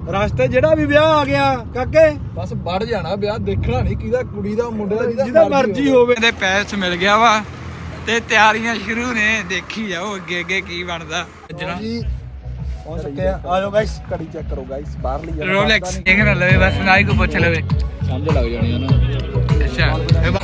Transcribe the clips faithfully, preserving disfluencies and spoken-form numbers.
ਰਸਤੇ ਜਿਹੜਾ ਵੀ ਵਿਆਹ ਆ ਗਿਆ ਕਾਕੇ ਬਸ ਵੜ ਜਾਣਾ ਵਿਆਹ ਦੇਖਣਾ ਨਹੀਂ ਕਿਹਦਾ ਕੁੜੀ ਦਾ ਮੁੰਡੇ ਦਾ ਜਿਹਦਾ ਮਰਜ਼ੀ ਹੋਵੇ ਤੇ ਪੈਸ ਮਿਲ ਗਿਆ ਵਾ ਤੇ ਤਿਆਰੀਆਂ ਸ਼ੁਰੂ ਨੇ ਦੇਖੀ ਜਾਓ ਅੱਗੇ ਅੱਗੇ ਕੀ ਬਣਦਾ ਜੀ ਪਹੁੰਚ ਚੁੱਕੇ ਆ ਆ ਜਾਓ ਗਾਇਸ ਕੜੀ ਚੈੱਕ ਕਰੋ ਗਾਇਸ ਬਾਹਰ ਲਈ ਰੋਲੈਕਸ ਦੇਖ ਨਾ ਲਵੇ ਬਸ ਨਾ ਹੀ ਕੋ ਪੁੱਛ ਲਵੇ ਸਮਝ ਲੱਗ ਜਾਣੀ ਆ ਨਾ ਅੱਛਾ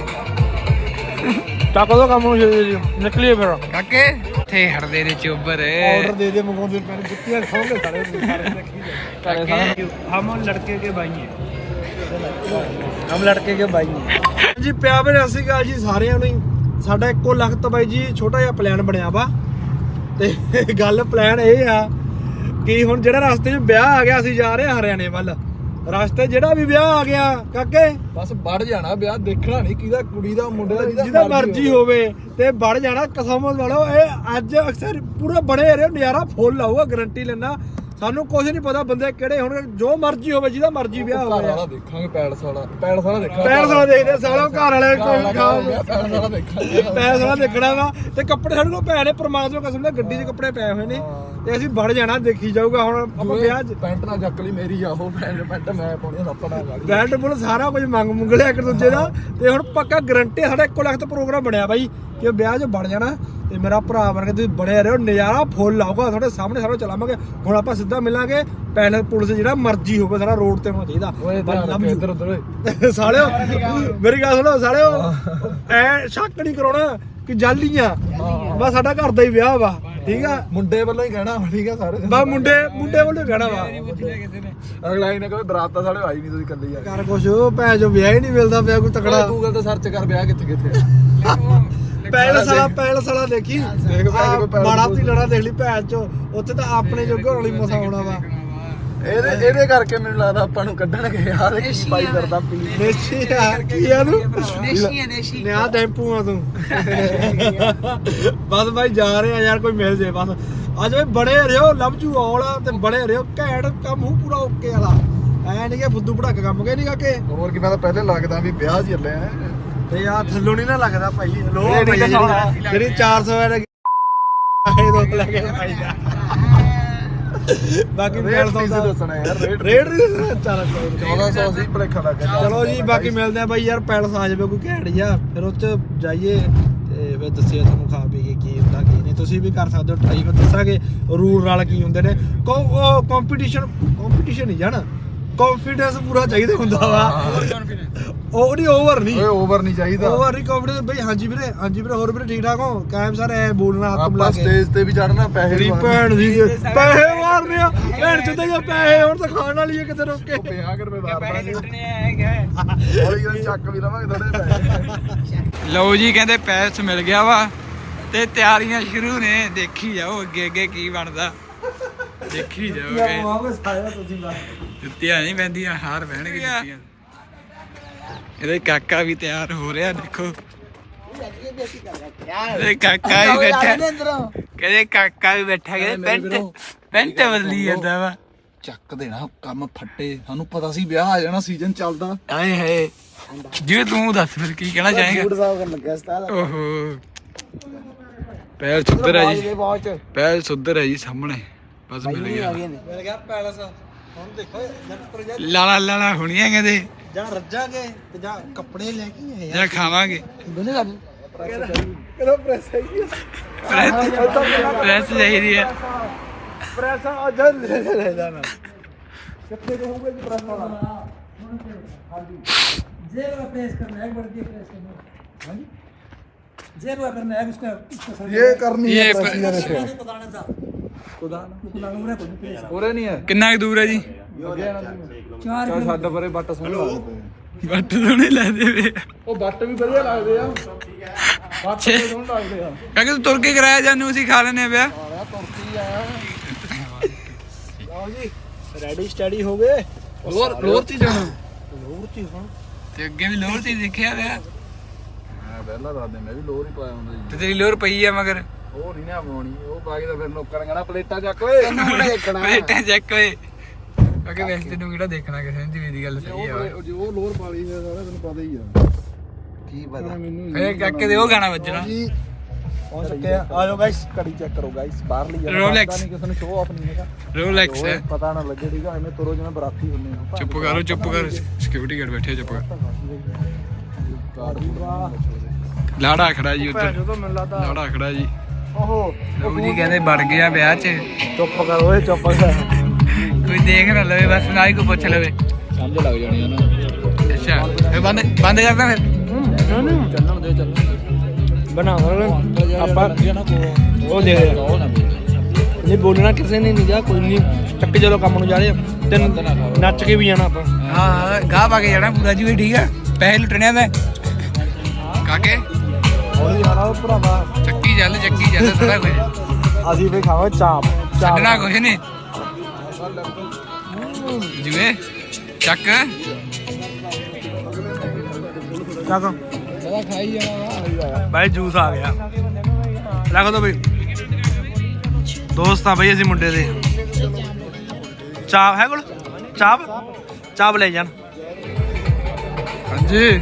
ਚੱਕ ਦੋ ਕੰਮ ਨੂੰ ਨਿਕਲੀਏ ਫਿਰ ਕਾਕੇ ਇੱਥੇ ਹੜਦੇ ਨੇ ਚੋਬਰ ਆਰਡਰ ਦੇ ਦੇ ਮੰਗਾਉਂਦੇ ਪੈਣ ਜੁੱਤੀਆਂ ਖਾਓਗੇ ਸਾਰੇ ਸਾਰੇ ਦੇਖੀ ਕਾਕੇ ਹਮ ਲੜਕੇ ਕੇ ਭਾਈ ਹੈ ਹਮ ਲੜਕੇ ਕੇ ਭਾਈ ਹੈ ਜੀ ਪਿਆ ਬਈ ਸਤਿ ਸ਼੍ਰੀ ਅਕਾਲ ਜੀ ਸਾਰਿਆਂ ਨੂੰ ਸਾਡਾ ਇੱਕੋ ਲਖਤ ਬਾਈ ਜੀ ਛੋਟਾ ਜਿਹਾ ਪਲਾਨ ਬਣਿਆ ਵਾ ਤੇ ਗੱਲ ਪਲਾਨ ਇਹ ਆ ਕਿ ਹੁਣ ਜਿਹੜਾ ਰਸਤੇ 'ਚ ਵਿਆਹ ਆ ਗਿਆ ਅਸੀਂ ਜਾ ਰਹੇ ਹਾਂ ਹਰਿਆਣੇ ਵੱਲ ਰਸਤੇ ਜਿਹੜਾ ਵੀ ਵਿਆਹ ਆ ਗਿਆ ਕਾਕੇ ਬਸ ਵੜ ਜਾਣਾ ਵਿਆਹ ਦੇਖਣਾ ਨਹੀਂ ਕਿਹਦਾ ਕੁੜੀ ਦਾ ਮੁੰਡੇ ਦਾ ਜਿਹਦਾ ਮਰਜ਼ੀ ਹੋਵੇ ਤੇ ਵੜ ਜਾਣਾ ਕਸਮ ਵਾਲੋ ਇਹ ਅੱਜ ਅਕਸਰ ਪੂਰਾ ਬਣੇ ਰਹੇ ਨਜ਼ਾਰਾ ਫੁੱਲ ਆਊਗਾ ਗਾਰੰਟੀ ਲੈਣਾ ਸਾਨੂੰ ਕੁਝ ਨਹੀਂ ਪਤਾ ਬੰਦੇ ਕਿਹੜੇ ਹੋਣਗੇ ਜੋ ਮਰਜ਼ੀ ਹੋਵੇ ਜਿਹਦਾ ਮਰਜ਼ੀ ਵਿਆਹ ਹੋਵੇ ਵਾਲਾ ਦੇਖਾਂਗੇ ਪੈਲਸ ਵਾਲਾ ਪੈਲਸ ਵਾਲਾ ਦੇਖਾਂਗੇ ਪੈਲਸ ਵਾਲਾ ਦੇਖਦੇ ਸਾਲੋ ਘਰ ਵਾਲੇ ਕੋਈ ਖਾਓ ਪੈਲਸ ਵਾਲਾ ਦੇਖਾਂਗੇ ਪੈਲਸ ਵਾਲਾ ਦੇਖਣਾ ਵਾ ਤੇ ਕੱਪੜੇ ਸਾਡੇ ਕੋਲ ਪਏ ਨੇ ਪ੍ਰਮਾਤਮਾ ਕਸਮ ਨਾਲ ਗੱਡੀ 'ਚ ਕੱਪੜੇ ਪਏ ਹੋਏ ਨੇ ਤੇ ਅਸੀਂ ਵੜ ਜਾਣਾ ਦੇਖੀ ਜਾਊਗਾ ਹੁਣ ਆਪਾਂ ਵਿਆਹ 'ਚ ਪੈਂਟ ਨਾ ਚੱਕ ਲਈ ਮੇਰੀ ਆ ਉਹ ਪੈਂਟ ਪੈਂਟ ਮੈਂ ਪਾਉਣੀ ਸੱਪੜਾ ਗਾੜੀ ਬੈਲਟ ਬੁਲ ਸਾਰਾ ਕੁਝ ਮੰਗ ਮੁੰਗ ਲਿਆ ਇੱਕ ਦੂਜੇ ਦਾ ਤੇ ਹੁਣ ਪੱਕਾ ਗਰੰਟੀ ਸਾਡਾ ਇੱਕੋ ਲੱਖ ਤੇ ਪ੍ਰੋਗਰਾਮ ਬਣਿਆ ਬਾਈ ਕਿ ਵਿਆਹ 'ਚ ਵੜ ਜਾਣਾ ਤੇ ਮੇਰਾ ਭਰਾ ਬਣ ਕੇ ਤੁਸੀਂ ਬੜੇ ਰਹੋ ਨਜ਼ਾਰਾ ਫੁੱਲ ਆਊਗਾ ਤੁਹਾਡੇ ਸਾਹਮਣੇ ਸਾਰਾ ਚਲਾਵਾਂਗੇ ਹੁਣ ਆਪਾਂ ਸਿੱਧਾ ਮਿਲਾਂਗੇ ਪੈਨਲ ਪੁਲਿਸ ਜਿਹੜਾ ਮਰਜ਼ੀ ਹੋਵੇ ਸਾਰਾ ਰੋਡ ਤੇ ਹੋਣਾ ਚਾਹੀਦਾ ਓਏ ਇੱਧਰ ਉੱਧਰ ਸਾਲਿਓ ਮੇਰੀ ਗੱਲ ਸੁਣੋ ਸਾਲਿਓ ਐ ਸ਼ੱਕ ਨਹੀਂ ਕਰਾਉਣਾ ਕਿ ਜਾਲੀਆਂ ਬਸ ਸਾਡਾ ਘਰ ਦਾ ਹੀ ਵਿਆਹ ਵਾ ਠੀਕ ਆ ਮੁੰਡੇ ਵੱਲੋਂ ਹੀ ਕਹਿਣਾ ਠੀਕ ਆ ਸਾਰੇ ਬਸ ਮੁੰਡੇ ਮੁੰਡੇ ਵੱਲੋਂ ਕਹਿਣਾ ਵਾ ਅਗਲਾ ਹੀ ਨਾ ਕਹੇ ਬਰਾਤ ਤਾਂ ਸਾਡੇ ਆਈ ਨਹੀਂ ਤੁਸੀਂ ਇਕੱਲੇ ਯਾਰ ਕਰ ਕੁਛ ਭੈਣ ਜੋ ਵਿਆਹ ਹੀ ਨਹੀਂ ਮਿਲਦਾ ਪਿਆ ਕੋਈ ਤਕੜਾ ਗੂਗਲ ਤੇ ਸਰਚ ਕਰ ਵਿਆਹ ਕਿੱਥੇ ਕਿੱਥੇ ਪੈਲਸ ਵਾਲਾ ਪੈਲਸ ਵਾਲਾ ਦੇਖੀ ਮਾੜਾ ਤੀ ਲੜਾ ਦੇਖ ਲਈ ਭੈਣ ਚੋ ਉੱਥੇ ਤਾਂ ਆਪਣੇ ਜੋਗੇ ਹੋਣ ਲਈ ਮਸਾ ਆਉਣਾ ਵਾ ਇਹਦੇ ਇਹਦੇ ਕਰਕੇ ਮੈਨੂੰ ਲੱਗਦਾ ਆਪਾਂ ਨੂੰ ਕੱਢਣਗੇ ਯਾਰ ਕੀ ਪਾਈ ਕਰਦਾ ਪੀ ਨੇਸ਼ੀ ਯਾਰ ਕੀ ਆ ਤੂੰ ਨੇਸ਼ੀ ਹੈ ਨੇਸ਼ੀ ਨਿਆ ਟੈਂਪੂ ਆ ਤੂੰ ਬਸ ਬਾਈ ਜਾ ਰਹੇ ਆ ਯਾਰ ਕੋਈ ਮਿਲ ਜੇ ਬਸ ਅੱਜ ਵੀ ਬੜੇ ਰਿਓ ਲਵ ਯੂ ਆਲ ਤੇ ਬੜੇ ਰਿਓ ਘੈਂਟ ਕੰਮ ਹੂ ਪੂਰਾ ਓਕੇ ਵਾਲਾ ਐ ਨਹੀਂ ਕਿ ਫੁੱਦੂ ਭੜਕ ਕੰਮ ਕੇ ਨਹੀਂ ਕਾਕੇ ਹੋਰ ਕੀ ਮੈਂ ਤਾਂ ਪਹਿਲੇ ਲੱਗਦਾ ਵੀ ਵਿਆਹ ਚ ਚੱਲੇ ਆ ਤੇ ਯਾਰ ਥੱਲੋਂ ਨਹੀਂ ਨਾ ਲੱਗਦਾ ਭਾਈ ਲੋ ਜਿਹੜੀ ਚਾਰ ਸੌ ਵਾਲੇ ਇਹ ਦੋ ਲੈ ਕੇ ਭਾਈ ਦਾ ਬਾਕੀ ਰੇਟ ਨਹੀਂ ਦੱਸਣਾ ਯਾਰ ਰੇਟ ਰੇਟ ਨਹੀਂ ਚੱਲ ਚੌਦਾਂ ਸੌ ਸੀ ਭਲੇਖਾ ਲੱਗ ਗਿਆ ਚਲੋ ਜੀ ਬਾਕੀ ਮਿਲਦੇ ਆ ਬਾਈ ਯਾਰ ਪੈਲਸ ਆ ਜਾਵੇ ਕੋਈ ਘੈਂਟ ਜਿਹਾ ਫਿਰ ਉਹ ਚ ਜਾਈਏ ਤੇ ਫਿਰ ਦੱਸਿਆ ਤੁਹਾਨੂੰ ਖਾ ਪੀ ਕੇ ਕੀ ਹੁੰਦਾ ਕੀ ਨਹੀਂ ਤੁਸੀਂ ਵੀ ਕਰ ਸਕਦੇ ਹੋ ਟਰਾਈ ਫਿਰ ਦੱਸਾਂਗੇ ਰੂਲ ਨਾਲ ਕੀ ਹੁੰਦੇ ਨੇ ਕੰਪੀਟੀਸ਼ਨ ਕੰਪੀਟੀਸ਼ਨ ਨਹੀਂ ਜਾਣਾ ਕੌਨਫੀਡੈਂਸ ਪੂਰਾ ਚਾਹੀਦਾ ਹੁੰਦਾ ਵਾ ਉਹ ਨਹੀਂ ਓਵਰ ਨਹੀਂ ਓਏ ਓਵਰ ਨਹੀਂ ਚਾਹੀਦਾ ਓਵਰ ਨਹੀਂ ਕੌਨਫੀਡੈਂਸ ਬਈ ਹਾਂਜੀ ਵੀਰੇ ਹਾਂਜੀ ਵੀਰੇ ਹੋਰ ਵੀਰੇ ਠੀਕ ਠਾਕ ਹੋ ਕਾਇਮ ਸਰ ਐ ਬੋਲਣਾ ਹੱਥ ਮਿਲਾ ਆਪਾਂ ਕੇ ਸਟੇਜ ਤੇ ਵੀ ਚੜਨਾ ਪੈਸੇ ਤੇਰੀ ਭੈਣ ਦੀ ਪੈਸੇ ਮਾਰਨੇ ਆ ਭੈਣ ਚੋਂ ਤਾਂ ਪੈਸੇ ਹੁਣ ਤਾਂ ਖਾਣ ਵਾਲੀ ਹੈ ਕਿਤੇ ਰੁਕ ਕੇ ਪੰਜਾਹ ਰੁਪਏ ਦਾ ਪੈਸੇ ਲੁੱਟਣੇ ਆਏਗਾ ਹੌਲੀ ਹੌਲੀ ਚੱਕ ਵੀ ਲਵਾਂਗੇ ਥੋੜੇ ਪੈਸੇ ਲਓ ਜੀ ਕਹਿੰਦੇ ਪੈਸ ਮਿਲ ਗਿਆ ਵਾ ਤੇ ਤਿਆਰੀਆਂ ਸ਼ੁਰੂ ਨੇ ਦੇਖੀ ਜਾਓ ਅੱਗੇ ਅੱਗੇ ਕੀ ਬਣਦਾ ਦੇਖੀ ਜਾਓਗੇ ਵਾਪਸ ਆਇਆ ਤੁਸੀਂ ਬਸ ਜੁੱਤੀਆਂ ਨਹੀਂ ਪੈਂਦੀਆਂ ਹਾਰ ਬਹਿਣਗੇ ਜੁੱਤੀਆਂ ਇਹਦੇ ਕਾਕਾ ਵੀ ਤਿਆਰ ਹੋ ਰਿਹਾ ਦੇਖੋ ਇਹਦੇ ਕਾਕਾ ਵੀ ਬੈਠਾ ਕਹਿੰਦੇ ਕਾਕਾ ਵੀ ਬੈਠਾ ਕਹਿੰਦੇ ਪੈਂਟ ਪੈਂਟ ਬਦਲੀ ਜਾਂਦਾ ਵਾ ਚੱਕ ਦੇਣਾ ਕੰਮ ਫੱਟੇ ਸਾਨੂੰ ਪਤਾ ਸੀ ਵਿਆਹ ਆ ਜਾਣਾ ਸੀਜ਼ਨ ਚੱਲਦਾ ਆਏ ਹਾਏ ਜੀ ਤੂੰ ਦੱਸ ਫਿਰ ਕੀ ਕਹਿਣਾ ਚਾਹੇਗਾ ਫੂਡ ਸਾਫ ਕਰਨ ਲੱਗਿਆ ਸਤਾਲ ਓਹੋ ਪੈਰ ਸੁੱਧਰ ਹੈ ਜੀ ਪੈਰ ਸੁੱਧਰ ਹੈ ਜੀ ਸਾਹਮਣੇ ਬਸ ਮਿਲ ਗਿਆ ਮਿਲ ਗਿਆ ਪੈਲਸ ਹੁਣ ਦੇਖੋ ਜਦ ਲਾਲਾ ਲਾਲਾ ਹੋਣੀਆਂ ਕਹਿੰਦੇ ਜਾਂ ਰੱਜਾਂਗੇ ਤੇ ਜਾਂ ਕੱਪੜੇ ਲੈ ਕੇ ਆਏ ਜਾਂ ਖਾਵਾਂਗੇ ਦੋਨੇ ਕਰ ਕਿਹੜਾ ਪ੍ਰੈਸ ਹੈਗੀ ਪ੍ਰੈਸ ਚਾਹੀਦੀ ਹੈ ਪ੍ਰੈਸ ਆ ਜਾ ਲੈ ਲੈ ਜਾਣਾ ਕਿੱਥੇ ਰਹੂਗਾ ਜੀ ਪ੍ਰੈਸ ਵਾਲਾ ਹਾਂਜੀ जेब में प्रेस करना है एक बार ये प्रेस करना है हाँ जी जेब में करना है उसका उसका ये करनी है ये प्रेस ये ने कुदाना था ਕੁਦਾਨ कुदाना उरे को प्रेस ਉਰੇ ਨਹੀਂ ਹੈ ਕਿੰਨਾ ਕੁ ਦੂਰ ਹੈ ਜੀ चार ਚੱਲ ਛੱਡ ਪਰੇ ਬੱਟ ਸੋਹਣੇ ਲੱਗਦੇ ਬੱਟ ਸੋਹਣੇ ਲੱਗਦੇ ਵੇ ਉਹ ਬੱਟ ਵੀ ਵਧੀਆ ਲੱਗਦੇ ਆ ਬੱਟ ਛੇ। ਵੀ ਸੋਹਣੇ ਲੱਗਦੇ ਆ ਕਹਿੰਦੇ ਤੂੰ ਤੁਰ ਕੇ ਕਰਾਇਆ ਜਾਨੂੰ ਅਸੀਂ ਖਾ ਲੈਨੇ ਪਿਆ ਆਇਆ ਤੁਰਕੀ ਆ ਲਓ ਜੀ ਰੈਡੀ ਸਟੱਡੀ ਹੋ ਗਏ ਲੋਰ ਲੋਰ ਚ ਜਾਣਾ ਲੋਰ ਚ ਹੁਣ ਤੇ ਅੱਗੇ ਵੀ ਲੋਰ ਤੇ ਦੇਖਿਆ ਪਿਆ ਮੈਂ ਪਹਿਲਾਂ ਦੱਸਦੇ ਮੈਂ ਵੀ ਲੋਰ ਹੀ ਪਾਇਆ ਹੁੰਦਾ ਜੀ ਤੇ ਤੇਰੀ ਲੋਰ ਪਈ ਆ ਮਗਰ ਉਹ ਨਹੀਂ ਨਾ ਪਾਉਣੀ ਉਹ ਪਾ ਕੇ ਤਾਂ ਫਿਰ ਲੋਕਾਂ ਨੇ ਕਹਿਣਾ ਪਲੇਟਾਂ ਚੱਕ ਓਏ ਦੇਖਣਾ ਬੇਟਾ ਚੱਕ ਓਏ ਕਿਉਂਕਿ ਵੈਸੇ ਤੈਨੂੰ ਕਿਹੜਾ ਦੇਖਣਾ ਕਿਸੇ ਦੀ ਦੀ ਗੱਲ ਸਹੀ ਆ ਉਹ ਜੋ ਲੋਰ ਪਾਲੀ ਹੈ ਸਾਰਾ ਤੈਨੂੰ ਪਤਾ ਹੀ ਆ ਕੀ ਪਤਾ ਮੈਨੂੰ ਫੇਰ ਕਾਕੇ ਦੇ ਉਹ ਗਾਣਾ ਵੱਜਣਾ ਜੀ ਪਹੁੰਚ ਚੁੱਕੇ ਆ ਆ ਜਾਓ ਗਾਇਸ ਘੜੀ ਚੈੱਕ ਕਰੋ ਗਾਇਸ ਬਾਹਰ ਲਈ Rolex। ਨਹੀਂ ਕਿਸੇ ਨੂੰ ਸ਼ੋਅ ਆਫ ਨਹੀਂ ਹੈਗਾ ਰੋਲੈਕਸ ਹੈ ਪਤਾ ਨਾ ਲੱਗੇ ਠੀਕ ਆ ਐਵੇਂ ਤੁਰੋ ਜਿਵੇਂ ਬਰਾਤੀ ਹੁੰਦੇ ਆ ਚੁੱਪ ਕਰੋ ਚੁੱਪ ਕਰ ਸਿਕਿਉਰਿਟੀ ਗਾਰਡ ਬੈਠੇ ਆ, ਚੁੱਪ ਕਰ ਲਾੜਾ ਖੜਾ ਜੀ ਉੱਧਰ ਜਦੋਂ ਮੈਨੂੰ ਲੱਗਦਾ ਲਾੜਾ ਖੜਾ ਜੀ ਓਹੋ ਲੋਕ ਜੀ ਕਹਿੰਦੇ ਵੜ ਗਿਆ ਵਿਆਹ 'ਚ ਚੁੱਪ ਕਰ ਓਏ ਚੁੱਪ ਕਰ ਕੋਈ ਦੇਖ ਨਾ ਲਵੇ ਬਸ ਨਾ ਹੀ ਕੋਈ ਪੁੱਛ ਲਵੇ ਸਮਝ ਲੱਗ ਜਾਣੀ ਆ ਨਾ ਅੱਛਾ ਇਹ ਬੰਦ ਬੰਦ ਕਰਦਾ ਫਿਰ ਚੱਲਣ ਦੇ ਚੱਲਣ ਬਣਾ ਆਪਾਂ ਨਾ ਕੋ ਉਹ ਦੇ ਦੇ ਉਹ ਨਾ ਨਹੀਂ ਬੋਲਣਾ ਕਿਸੇ ਨੇ ਨਹੀਂ ਜਾ ਕੋਈ ਨਹੀਂ ਚੱਕ ਚਲੋ ਕੰਮ ਨੂੰ ਜਾ ਰਹੇ ਆ। ਤੇ ਨੱਚ ਕੇ ਵੀ ਜਾਣਾ ਆਪਾਂ ਹਾਂ ਗਾਹ ਪਾ ਕੇ ਜਾਣਾ ਪੂਰਾ ਜੀ ਵੀ ਠੀਕ ਆ ਪੈਸੇ ਲੁੱਟਣੇ ਆ ਮੈਂ ਕਾਕੇ ਹੌਲੀ ਜਾਣਾ ਉਹ ਭਰਾਵਾ ਚੱਕੀ ਚੱਲ ਚੱਕੀ ਚੱਲ ਸਾਰਾ ਕੁਝ ਅਸੀਂ ਫੇ ਖਾਵਾਂਗੇ ਚਾਪ ਛੱਡਣਾ ਕੁਝ ਨਹੀਂ ਜਿਵੇਂ ਚੱਕ ਚੱਕ ਸਾਰਾ ਖਾਈ ਜਾਣਾ ਵਾ ਭਾਈ ਜੂਸ ਆ ਗਿਆ ਰੱਖ ਦੋ ਬਈ ਦੋਸਤ ਆ ਬਈ ਅਸੀਂ ਮੁੰਡੇ ਦੇ ਚਾਪ ਹੈ ਕੋਲ ਚਾਪ ਚਾਪ ਲੈ ਜਾਣ ਹਾਂਜੀ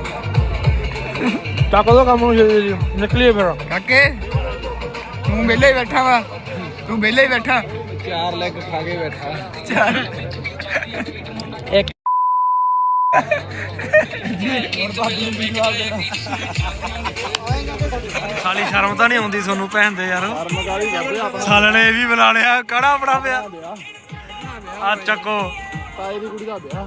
ਚੱਕ ਦੋ ਕੰਮ ਨੂੰ ਛੇਤੀ ਛੇਤੀ, ਨਿਕਲੀਏ ਫਿਰ ਕਾਕੇ ਤੂੰ ਵਿਹਲੇ ਹੀ ਬੈਠਾ ਵਾ ਤੂੰ ਵਿਹਲੇ ਹੀ ਬੈਠਾ ਚਾਰ ਲੈਗ ਖਾ ਕੇ ਬੈਠਾ ਚੱਲ ਇੱਕ ਸਾਲੀ ਸ਼ਰਮ ਤਾਂ ਨਹੀਂ ਆਉਂਦੀ ਤੁਹਾਨੂੰ ਭੈਣ ਦੇ ਯਾਰ ਸਾਲੇ ਨੇ ਇਹ ਵੀ ਬੁਲਾ ਲਿਆ ਕੜਾ ਬੜਾ ਪਿਆ ਆ ਚੱਕੋ ਤਾਏ ਦੀ ਕੁੜੀ ਦਾ ਵਿਆਹ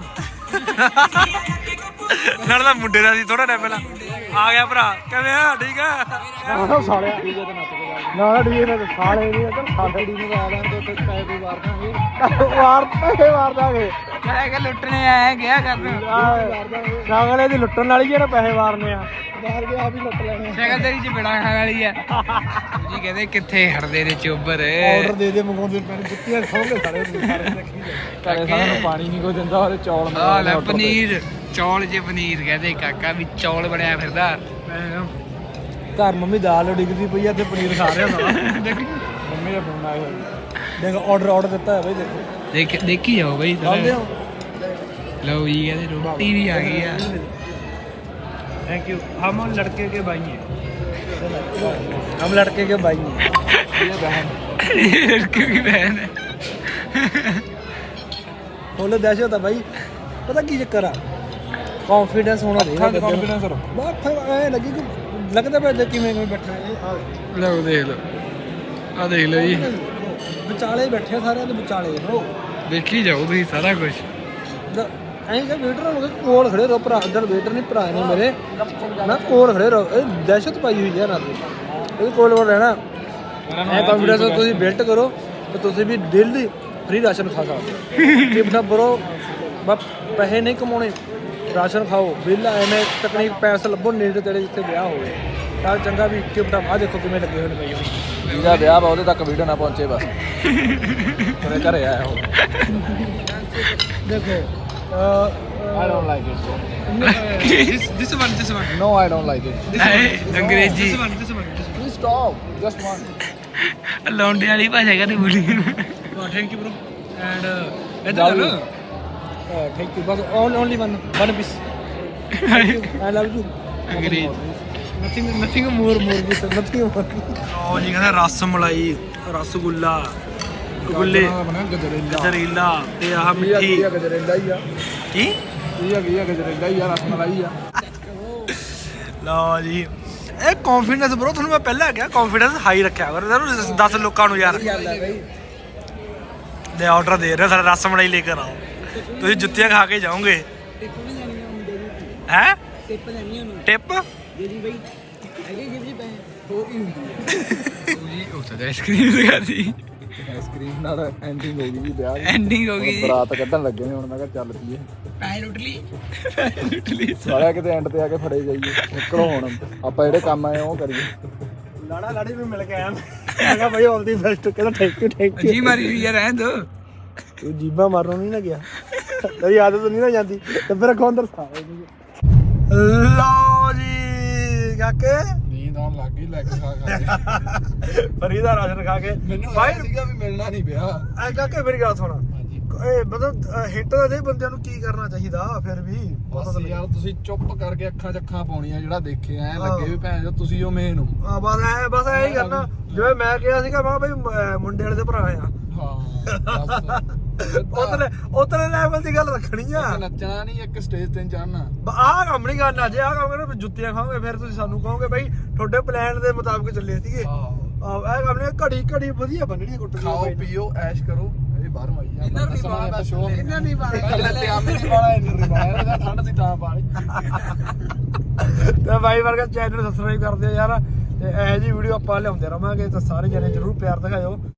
ਨਾਲ ਦਾ ਮੁੰਡੇ ਦਾ ਸੀ ਥੋੜਾ ਟਾਈਮ ਪਹਿਲਾਂ ਆ ਗਿਆ ਭਰਾ ਕਿਵੇਂ ਆ ਠੀਕ ਆ ਨਾ ਸਾਲਿਆ ਡੀਜੇ ਤੇ ਨੱਚ ਕੇ ਜਾ ਨਾ ਡੀਜੇ ਨਾਲ ਸਾਲੇ ਨਹੀਂ ਅਗਰ ਸਾਡੇ ਡੀ ਨੂੰ ਆ ਲੈਣ ਤੋਂ ਤੇ ਪੈਸੇ ਕੋਈ ਵਾਰ ਦਾਂਗੇ ਵਾਰ ਪੈਸੇ ਵਾਰ ਦਾਂਗੇ ਮੈਂ ਕਿ ਲੁੱਟਣੇ ਆਇਆ ਗਿਆ ਕਰਨ ਸਾਗਲੇ ਦੀ ਲੁੱਟਣ ਵਾਲੀ ਜਿਹੜਾ ਪੈਸੇ ਵਾਰਨੇ ਆ ਬਾਹਰ ਕੇ ਆ ਵੀ ਲੁੱਟ ਲੈਣੇ ਸ਼ਕਲ ਤੇਰੀ ਚਪੇੜਾ ਖਾਣ ਵਾਲੀ ਆ ਜੀ ਕਹਿੰਦੇ ਕਿੱਥੇ ਹਟਦੇ ਨੇ ਚੋਬਰ ਆਰਡਰ ਦੇ ਦੇ ਮੰਗਾਉਂਦੇ ਪੈਣ ਜੁੱਤੀਆਂ ਖੋਗੇ ਸਾਰੇ ਸਾਰੇ ਦੇਖੀ ਘਰੇ ਸਾਰਿਆਂ ਨੂੰ ਪਾਣੀ ਨਹੀਂ ਕੋਈ ਦਿੰਦਾ ਔਰ ਚੌਲ ਆ ਲੈ ਪਨੀਰ ਚੌਲ ਜੇ ਪਨੀਰ ਕਹਿੰਦੇ ਕਾਕਾ ਵੀ ਚੌਲ ਬਣਿਆ ਫਿਰਦਾ ਘਰ ਮੰਮੀ ਦਾਲ ਡਿੱਗਦੀ ਪਈ ਆ ਤੇ ਪਨੀਰ ਖਾ ਰਿਹਾ ਸਾਲਾ ਮੰਮੀ ਦਾ ਫੋਨ ਆਇਆ ਹੋਇਆ ਦੇਖ ਆਰਡਰ ਆਰਡਰ ਦਿੱਤਾ ਹੈ ਬਈ ਦੇਖੋ ਦੇਖ ਦੇਖੀ ਜਾਓ ਬਈ ਆਉਂਦੇ ਹੋ ਲਓ ਜੀ ਕਹਿੰਦੇ ਰੋਟੀ ਵੀ ਆ ਗਈ ਆ थैंक यू हम लड़के के भाई हैं हम लड़के के भाई हैं ਇਹ ਬਹਿन लड़के की बहन है फुल दहशत है भाई पता की चक्कर आ कॉन्फिडेंस होना चाहिए ਕੰਫੀਡੈਂਸ ਰੱਖੋ बहुत ऐ लगी कि लगता पे कि मैं बैठा है ਲਓ ਦੇਖ ਲਓ ਆ ਦੇਖ ਲਓ ਜੀ ਵਿਚਾਲੇ ਬੈਠੇ ਸਾਰੇ ਤੇ ਵਿਚਾਲੇ ਹੋ ਦੇਖੀ ਜਾਓ ਤੁਸੀਂ ਸਾਰਾ ਕੁਝ ਐਂ ਕਿ ਵੇਟਰ ਨੂੰ ਕੋਲ ਖੜੇ ਰਹੋ ਭਰਾ ਇੱਧਰ ਵੇਟਰ ਨਹੀਂ ਭਰਾ ਨੇ ਮੇਰੇ ਨਾ ਕੋਲ ਖੜੇ ਰਹੋ ਇਹ ਦਹਿਸ਼ਤ ਪਾਈ ਹੋਈ ਹੈ ਨਾ ਇਹ ਕੋਲ ਕੋਲ ਰਹਿਣਾ ਐ ਕੰਫੀਡੈਂਸ ਤੁਸੀਂ ਬਿਲਟ ਕਰੋ ਤੇ ਤੁਸੀਂ ਵੀ ਡੇਲੀ ਫ੍ਰੀ ਰਾਸ਼ਨ ਖਾ ਸਕਦੇ ਹੋ ਜੇ ਬਣਾ ਬਰੋ ਬਸ ਪੈਸੇ ਨਹੀਂ ਕਮਾਉਣੇ ਰਾਸ਼ਨ ਖਾਓ ਬਿੱਲ ਐਵੇਂ ਤਕਨੀਕ ਪੈਸੇ ਲੱਭੋ ਨੇੜੇ ਤੇੜੇ ਜਿੱਥੇ ਵਿਆਹ ਹੋਵੇ ਤਾਂ ਚੰਗਾ ਵੀ ਕਿ ਬਟਾ ਆ ਦੇਖੋ ਕਿਵੇਂ ਲੱਗੇ ਹੋਏ ਨੇ ਪਈ ਹੋਈ ਜਿਹਦਾ ਵਿਆਹ ਵਾ ਉਹਦੇ ਤੱਕ ਵੀਡੀਓ ਨਾ ਪਹੁੰਚੇ ਬਸ ਉਹਦੇ ਘਰੇ ਆਇਆ ਉਹ ਦੇਖੋ I don't like it so. this this one this one No, I don't like it. ਐ ਅੰਗਰੇਜ਼ੀ this one this one Please stop. Just one. ਲੌਂਡੇ ਵਾਲੀ ਭਾਸ਼ਾ ਕਦੇ ਬੋਲੀ ਥੈਂਕ ਯੂ ਬ్రో ਐਂਡ ਇਧਰ ਲੋ ਥੈਂਕ ਯੂ ਬਸ only one one piece I love you ਅੰਗਰੇਜ਼ੀ nothing nothing more more this nothing more ਉਹ ਜੀ ਕਹਿੰਦਾ ਰਸ ਮਲਾਈ ਰਸਗੁੱਲਾ ਗੁੱਲੇ ਗਜਰੇਲਾ ਤੇ ਆਹ ਮਿੱਠੀ ਗਜਰੇਲਾ ਹੀ ਆ ਕੀ ਇਹ ਹੈਗੀ ਆ ਗਜਰੇਲਾ ਹੀ ਆ ਰਸਮਲਾਈ ਆ ਲਓ ਜੀ ਇਹ ਕੌਨਫੀਡੈਂਸ ਬ్రో ਤੁਹਾਨੂੰ ਮੈਂ ਪਹਿਲਾਂ ਕਿਹਾ ਕੌਨਫੀਡੈਂਸ ਹਾਈ ਰੱਖਿਆ ਕਰੋ ਜ਼ਰੂਰ ਦਸ ਲੋਕਾਂ ਨੂੰ ਯਾਰ ਦੇ ਆਰਡਰ ਦੇ ਰਹੇ ਸਾਰਾ ਰਸ ਮਲਾਈ ਲੈ ਕੇ ਆਓ ਤੁਸੀਂ ਜੁੱਤੀਆਂ ਖਾ ਕੇ ਜਾਓਗੇ ਹੈ ਟਿਪ ਲੈਣੀ ਉਹਨੂੰ ਟਿਪ ਜਿਹੜੀ ਬਈ ਹੈਗੇ ਗਿਫਟ ਜੀ ਪੈ ਹੋ ਕੀ ਹੁੰਦੀ ਜੀ ਉਹ ਤਾਂ ਆਈਸਕ੍ਰੀਮ ਲਗਾਤੀ ਆਈਸਕ੍ਰੀਮ ਨਾਲ ਐਂਡਿੰਗ ਹੋ ਗਈ ਵਿਆਹ ਦੀ ਐਂਡਿੰਗ ਹੋ ਗਈ ਬਰਾਤ ਕੱਢਣ ਲੱਗੇ ਨੇ ਹੁਣ ਮੈਂ ਕਿਹਾ ਚੱਲ ਪਈਏ ਪੈਸੇ ਲੁੱਟ ਲਈ ਪੈਸੇ ਲੁੱਟ ਲਈ ਸਾਲਿਆ ਕਿਤੇ ਐਂਡ ਤੇ ਆ ਕੇ ਫੜੇ ਜਾਈਏ ਨਿਕਲੋ ਹੁਣ ਆਪਾਂ ਜਿਹੜੇ ਕੰਮ ਆਏ ਉਹ ਕਰੀਏ ਲਾੜਾ ਲਾੜੀ ਨੂੰ ਮਿਲ ਕੇ ਆਇਆ ਮੈਂ ਕਿਹਾ ਭਾਈ ਆਲ ਦੀ ਬੈਸਟ ਕਹਿੰਦਾ ਥੈਂਕ ਯੂ ਥੈਂਕ ਜੀ ਮਾਰੀ ਹੋਈ ਯਾਰ ਰਹਿਣ ਦੋ ਤੂੰ ਜੀਬਾਂ ਮਾਰਨੋਂ ਨਹੀਂ ਨਾ ਗਿਆ ਤੇਰੀ ਆਦਤ ਨਹੀਂ ਨਾ ਜਾਂਦੀ ਤੇ ਫਿਰ ਅੱਗੋਂ ਅੰਦਰ ਸਾਵੇ ਲਓ ਜੀ ਕਾਕੇ ਨੀਂਦ ਆਉਣ ਲੱਗ ਗਈ ਲੈ ਕੇ ਖਾ ਖਾ ਫਰੀਦਾ ਰਾਸ਼ਨ ਖਾ ਕੇ ਮੈਨੂੰ ਭਾਈ ਸੀਗਾ ਵੀ ਮਿਲਣਾ ਨਹੀਂ ਪਿਆ ਐ ਕਾਕੇ ਮੇਰੀ ਗੱਲ ਸੁਣ ਇਹ ਮਤਲਬ ਹਿੱਟ ਦਾ ਦੇ ਬੰਦਿਆਂ ਨੂੰ ਕੀ ਕਰਨਾ ਚਾਹੀਦਾ ਫਿਰ ਵੀ ਬਸ ਯਾਰ ਤੁਸੀਂ ਚੁੱਪ ਕਰਕੇ ਅੱਖਾਂ ਚੱਖਾਂ ਪਾਉਣੀਆਂ ਜਿਹੜਾ ਦੇਖਿਆ ਐ ਹਾਂ। ਲੱਗੇ ਵੀ ਭੈਣ ਜੋ ਤੁਸੀਂ ਉਹ ਮੇਨ ਹੋ ਆ ਬਸ ਐ ਬਸ ਐ ਹੀ ਕਰਨਾ ਜਿਵੇਂ ਮੈਂ ਕਿਹਾ ਸੀਗਾ ਮੈਂ ਕਿਹਾ ਬਈ ਅਹ ਮੁੰਡੇ ਵਾਲੇ ਦੇ ਭਰਾ ਆ ਹਾਂ ਉਤਲੇ ਉਤਲੇ ਲੈਵਲ ਦੀ ਗੱਲ ਰੱਖਣੀ ਆ ਬਸ ਨੱਚਣਾ ਨਹੀਂ ਇੱਕ ਸਟੇਜ ਤੇ ਚੜਨਾ ਆਹ ਕੰਮ ਨਹੀਂ ਕਰਨਾ ਜੇ ਆਹ ਕੰਮ ਕਰਨਾ ਜੁੱਤੀਆਂ ਖਾਓਗੇ ਫਿਰ ਤੁਸੀਂ ਸਾਨੂੰ ਕਹੋਗੇ ਬਈ ਤੁਹਾਡੇ ਪਲਾਨ ਦੇ ਮੁਤਾਬਕ ਚੱਲੇ ਸੀਗੇ ਆਹ ਇਹ ਕੰਮ ਨੇ ਘੜੀ ਘੜੀ ਵਧੀਆ ਬੰਨਣੀ ਕੁੱਟ ਖਾਓ ਪੀਓ ਐਸ਼ ਕਰੋ ਇਹ ਬਾਹਰੋਂ ਆਈ ਆ ਇਹਨਾਂ ਨਹੀਂ ਬਾਲਾ ਇਹਨਾਂ ਨਹੀਂ ਬਾਲਾ ਪਜਾਮੇ ਨਹੀਂ ਬਾਲਾ ਇਹਨਾਂ ਨਹੀਂ ਬਾਲਾ ਠੰਡ ਸੀ ਤਾਂ ਪਾ ਲਈ ਤੇ ਬਾਈ ਵਰਗਾ ਚੈਨਲ ਸਬਸਕ੍ਰਾਈਬ ਕਰ ਦਿਓ ਯਾਰ ਤੇ ਇਹੋ ਜਿਹੀ ਵੀਡੀਓ ਆਪਾਂ ਲਿਆਉਂਦੇ ਰਵਾਂਗੇ ਤਾਂ ਸਾਰੇ ਜਣੇ ਜਰੂਰ ਪਿਆਰ ਦਿਖਾਇਓ।